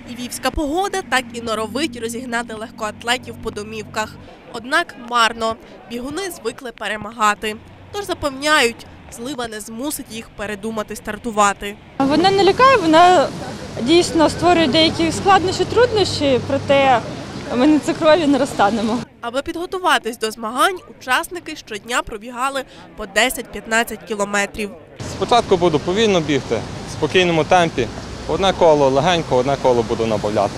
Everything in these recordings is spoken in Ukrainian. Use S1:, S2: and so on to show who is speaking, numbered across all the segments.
S1: Львівська погода так і норовить розігнати легкоатлетів по домівках. Однак марно. Бігуни звикли перемагати. Тож запевняють, злива не змусить їх передумати стартувати.
S2: Вона не лякає, вона дійсно створює деякі складнощі, труднощі, проте ми на цукрові не розтанемо.
S1: Аби підготуватись до змагань, учасники щодня пробігали по 10-15 кілометрів.
S3: Спочатку буду повільно бігти, в спокійному темпі. Одне коло легенько, одне коло буду набавляти.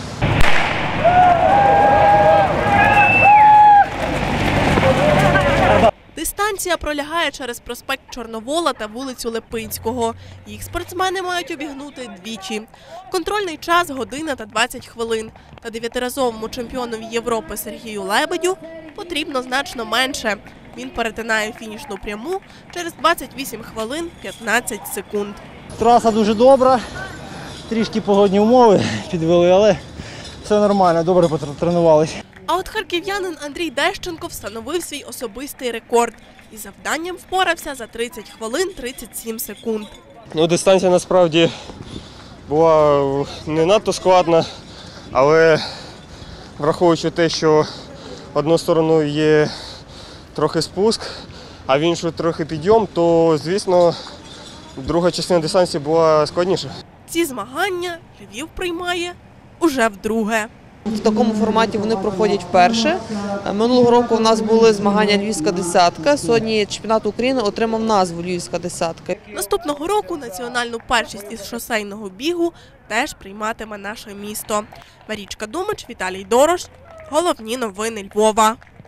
S1: Дистанція пролягає через проспект Чорновола та вулицю Липинського. Їх спортсмени мають обігнути двічі. Контрольний час – година та 20 хвилин. Та 9-разовому чемпіонові Європи Сергію Лебедю потрібно значно менше. Він перетинає фінішну пряму через 28 хвилин 15 секунд.
S4: Траса дуже добра, трішки погодні умови підвели, але все нормально, добре потренувалися.
S1: А от харків'янин Андрій Дещенко встановив свій особистий рекорд. І завданням впорався за 30 хвилин 37 секунд.
S5: Дистанція насправді була не надто складна, але враховуючи те, що одну сторону є трохи спуск, а в іншу трохи підйом, то, звісно, друга частина дистанції була складніша.
S1: Ці змагання Львів приймає уже вдруге.
S6: В такому форматі вони проходять вперше. Минулого року у нас були змагання «Львівська десятка». Сьогодні чемпіонат України отримав назву «Львівська десятка».
S1: Наступного року національну першість із шосейного бігу теж прийматиме наше місто. Марічка Думич, Віталій Дорош. Головні новини Львова.